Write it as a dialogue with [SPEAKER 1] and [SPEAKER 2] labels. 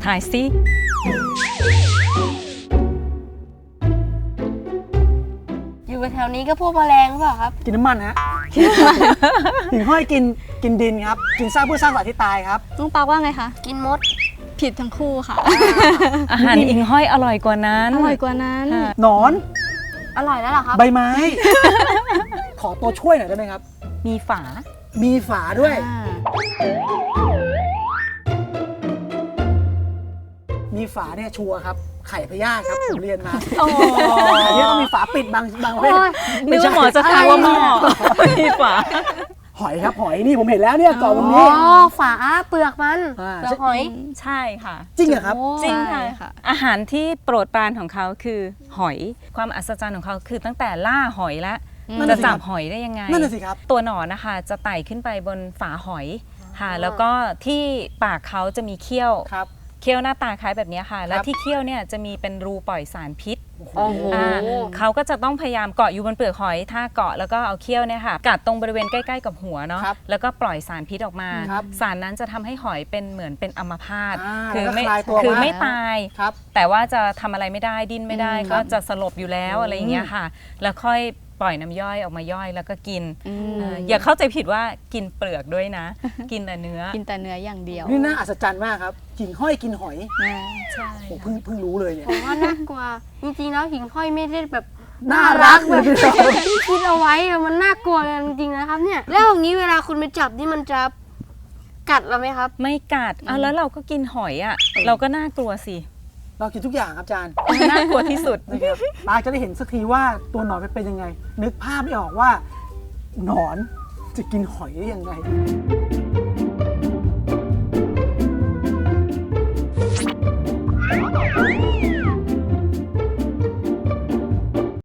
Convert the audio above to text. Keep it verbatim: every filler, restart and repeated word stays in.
[SPEAKER 1] ถ่ายสิ
[SPEAKER 2] อยู่แถวนี้ก็พวกแมลงหรือเปล่าครับ
[SPEAKER 3] กินน้ำมันฮะหิ่งห้อยกินกินดินครับกินซากพืชซากสัตว์ที่ตายครับ
[SPEAKER 4] น้องปาว่าไงคะ
[SPEAKER 2] กินมด
[SPEAKER 4] ผิดทั้งคู่ค่ะ
[SPEAKER 1] อาหารหิ่งห้อยอร่อยกว่านั้น
[SPEAKER 4] อร่อยกว่านั้น
[SPEAKER 3] หนอน
[SPEAKER 2] อร่อยแล้วเหรอครับ
[SPEAKER 3] ใบไม้ขอตัวช่วยหน่อยได้ไหมครับ
[SPEAKER 1] มีฝา
[SPEAKER 3] มีฝาด้วยมีฝาเนี่ยชัวร์ครับไข่พยาธิครับผมเรียนมาอันนี้ต้องมีฝาปิดบางบางประเภท
[SPEAKER 1] นึกว่าหมอจะถามว่าหม้อมีฝา
[SPEAKER 3] หอยครับหอยนี่ผมเห็นแล้วเนี่ยกล่องตรงนี้
[SPEAKER 2] อ๋อฝาเปลือกมันเปลือกหอย
[SPEAKER 1] ใช่ค่ะ
[SPEAKER 3] จริงเหรอครับ
[SPEAKER 1] จริงค่ะอาหารที่โปรดปรานของเขาคือหอยความอัศจรรย์ของเขาคือตั้งแต่ล่าหอยแล้วจะจับหอยได้ยังไง
[SPEAKER 3] นั่นน่ะสิครับ
[SPEAKER 1] ตัวหนอนนะคะจะไต่ขึ้นไปบนฝาหอยค่ะแล้วก็ที่ปากเขาจะมีเขี้ยวเขี้ยวหน้าตาคล้ายแบบนี้ค่ะแล้วที่เขี้ยวเนี่ยจะมีเป็นรูปล่อยสารพิษเขาก็จะต้องพยายามเกาะอยู่บนเปลือกหอยถ้าเกาะแล้วก็เอาเขี้ยวเนี่ยค่ะกัดตรงบริเวณใกล้ๆกับหัวเนาะแล้วก็ปล่อยสารพิษออกมาสารนั้นจะทำให้หอยเป็นเหมือนเป็นอัมพาตคือไม่คือไม่ตายแต่ว่าจะทำอะไรไม่ได้ดิ้นไม่ได้ก็จะสลบอยู่แล้วอะไรอย่างเงี้ยค่ะแล้วค่อยปล่อยน้ำย่อยออกมาย่อยแล้วก็กินอย่าเข้าใจผิดว่ากินเปลือกด้วยนะกินแต่เนื้อ
[SPEAKER 4] กินแต่เนื้ออย่างเดียว
[SPEAKER 3] นี่น่าอัศจรรย์มากครับหิ่งห้อยกินหอย
[SPEAKER 1] ใช่
[SPEAKER 3] ผมเพิ่งเพิ่งรู้เลยเนี่ย
[SPEAKER 2] ผมว่าน่ากลัวจริงๆแล้วหิ่งห้อยไม่ได้แบบ
[SPEAKER 3] น่ารักแบบ
[SPEAKER 2] ที่คิดเอาไว้มันน่ากลัวจริงๆนะครับเนี่ยแล้วอย่างนี้เวลาคุณไปจับนี่มันจะกัดเราไหมครับ
[SPEAKER 1] ไม่กัดอ่ะแล้วเราก็กินหอยอ่ะเราก็น่ากลัวสิ
[SPEAKER 3] เรากินทุกอย่างครับอาจารย์
[SPEAKER 1] น่ากลัวที่สุด
[SPEAKER 3] นะครับปาจะได้เห็นสักทีว่าตัวหนอนเป็นยังไงนึกภาพไม่ออกว่าหนอนจะกินหอยได้ยังไง